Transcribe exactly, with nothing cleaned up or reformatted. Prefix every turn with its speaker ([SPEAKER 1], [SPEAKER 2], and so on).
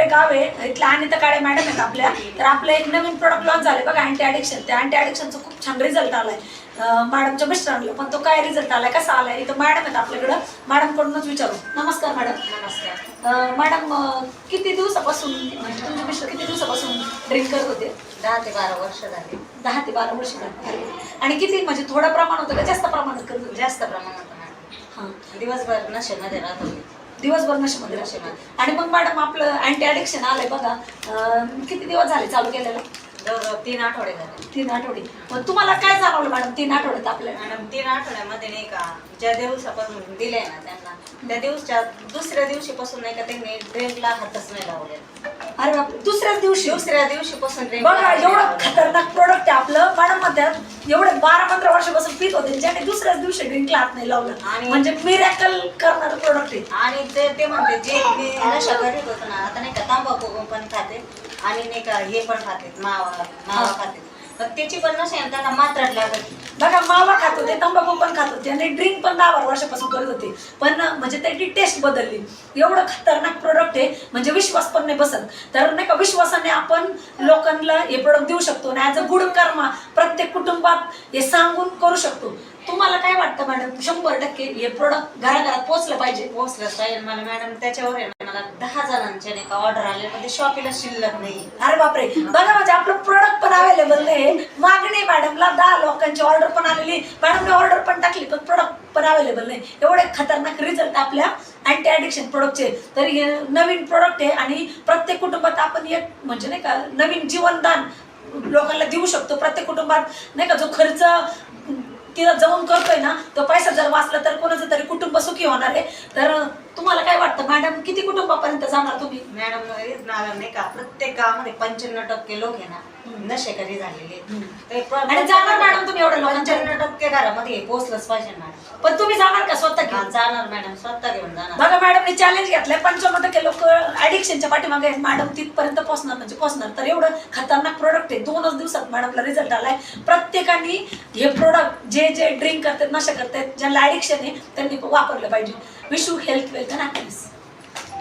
[SPEAKER 1] गाव आहे, इथल्या अनिता काळे मॅडम आहेत आपल्या. तर आपलं एक नवीन प्रोडक्ट लॉन्च झाले बघा, अँटी ॲडिक्शन. त्या अँटी ॲडिक्शनचा खूप छान रिझल्ट आलाय मॅडमच्या मिस्टरांना. पण तो काय रिझल्ट आलाय, कसा आलाय, इथं मॅडम आहेत आपल्याकडं. मॅडमकडूनच विचारू. नमस्कार मॅडम.
[SPEAKER 2] नमस्कार
[SPEAKER 1] मॅडम, किती दिवसापासून म्हणजे तुमचे मिस्टर किती दिवसापासून ड्रिंक करत होते?
[SPEAKER 2] दहा ते बारा वर्ष झाली.
[SPEAKER 1] दहा ते बारा वर्ष झाली. आणि किती म्हणजे थोडं प्रमाण होतं का जास्त प्रमाणात करत होते?
[SPEAKER 2] जास्त प्रमाणात.
[SPEAKER 1] हां,
[SPEAKER 2] दिवसभर नशेमध्ये राहत होती.
[SPEAKER 1] दिवसभर नशेमध्ये
[SPEAKER 2] नशेमध्ये.
[SPEAKER 1] आणि मग मॅडम आपलं अँटी ॲडिक्शन आलंय बघा, किती दिवस झाले चालू केलेलं?
[SPEAKER 2] जवळजवळ तीन आठवडे झाले.
[SPEAKER 1] तीन आठवडे. मग तुम्हाला काय जाणवलं मॅडम तीन आठवड्यात आपल्याला?
[SPEAKER 2] मॅडम तीन आठवड्यामध्ये नाही का, ज्या दिवसापासून दिले ना त्यांना, त्या दिवसाच्या दुसऱ्या दिवशीपासून नाही का त्यांनी ड्रिंकला हातच नाही लावले.
[SPEAKER 1] अरे बाप, दुसऱ्याच दिवशी?
[SPEAKER 2] दुसऱ्या दिवशीपासून ड्रिंक
[SPEAKER 1] बघा, एवढं खतरनाक प्रोडक्ट आहे आपलं. मॅडम म्हणतात एवढे बारा पंधरा वर्षापासून पित होते, ज्याने दुसऱ्याच दिवशी ड्रिंकला हात नाही लावलं.
[SPEAKER 2] आणि
[SPEAKER 1] म्हणजे मिरॅकल करणारं प्रोडक्ट आहे.
[SPEAKER 2] आणि ते ते म्हणते जे मी नशा करीत होतो ना, आता नाही का तांबाखू पण खाते आणि नाही का हे पण खाते, मावा मावा खाते. पण त्याची पण नशा आहे, त्यांना मात्रात लागत.
[SPEAKER 1] बघा, मावा खात होते, तंबाखू पण खात होते आणि ड्रिंक पण दहा बारा वर्षापासून करत होते. पण म्हणजे त्याची टेस्ट बदलली. एवढं खतरनाक प्रोडक्ट आहे म्हणजे विश्वास पण नाही बसत. तर नाही का, विश्वासाने आपण लोकांना हे प्रोडक्ट देऊ शकतो आणि ॲज अ गुड कर्मा प्रत्येक कुटुंबात हे सांगून करू शकतो. तुम्हाला काय वाटतं मॅडम, शंभर टक्के हे प्रोडक्ट घराघरात पोहोचलं पाहिजे?
[SPEAKER 2] पोहोचलंच पाहिजे. मला मॅडम त्याच्यावर आहे ना, मला दहा जणांच्या नाही का ऑर्डर आले, पण ते शॉपीला शिल्लक नाही.
[SPEAKER 1] अरे बापरे, बघा म्हणजे आपलं प्रोडक्ट पण अवेलेबल नाही, मागणी मॅडमला दहा लोकांची ऑर्डर पण आलेली, मॅडमने ऑर्डर पण टाकली, पण प्रोडक्ट पण अवेलेबल नाही. एवढे खतरनाक रिझल्ट आपल्या अँटी ॲडिक्शन प्रोडक्टचे. तर हे नवीन प्रोडक्ट आहे आणि प्रत्येक कुटुंबात आपण एक म्हणजे नाही का नवीन जीवनदान लोकांना देऊ शकतो. प्रत्येक कुटुंबात नाही का जो खर्च तिला जाऊन करतोय ना, तो पैसा जर वाचला तर कोणाचं तरी कुटुंब सुखी होणार आहे. तर तुम्हाला काय वाटतं मॅडम, किती कुटुंबापर्यंत जाणार तुम्ही?
[SPEAKER 2] मॅडम नाही का, प्रत्येक गावामध्ये पंच्याण्णव टक्के लोक आहे ना नशेकरी झालेले.
[SPEAKER 1] आणि जाणार मॅडम तुम्ही एवढ्या लोकांच्या?
[SPEAKER 2] पंच्याण्णव टक्के घरामध्ये पोहोचलंच पाहिजे मॅडम.
[SPEAKER 1] पण तुम्ही जाणार का स्वतः घेऊन?
[SPEAKER 2] जाणार मॅडम, स्वतः घेऊन जाणार.
[SPEAKER 1] बघा, मॅडमने चॅलेंज घेतलंय, पंच्याण्णव टक्के लोक ऍडिक्शनच्या पाठीमागे आहेत. मॅडम तिथपर्यंत पोहोचणार म्हणजे पोहोचणार. तर एवढं खतरनाक प्रोडक्ट आहे. दोनच दिवसात मॅडमला रिझल्ट आलाय. प्रत्येकाने हे प्रोडक्ट जे जे ड्रिंक करतात, नशा करतात, ज्यांना ऍडिक्शन आहे त्यांनी वापरलं पाहिजे. Wish you health, wealth and happiness.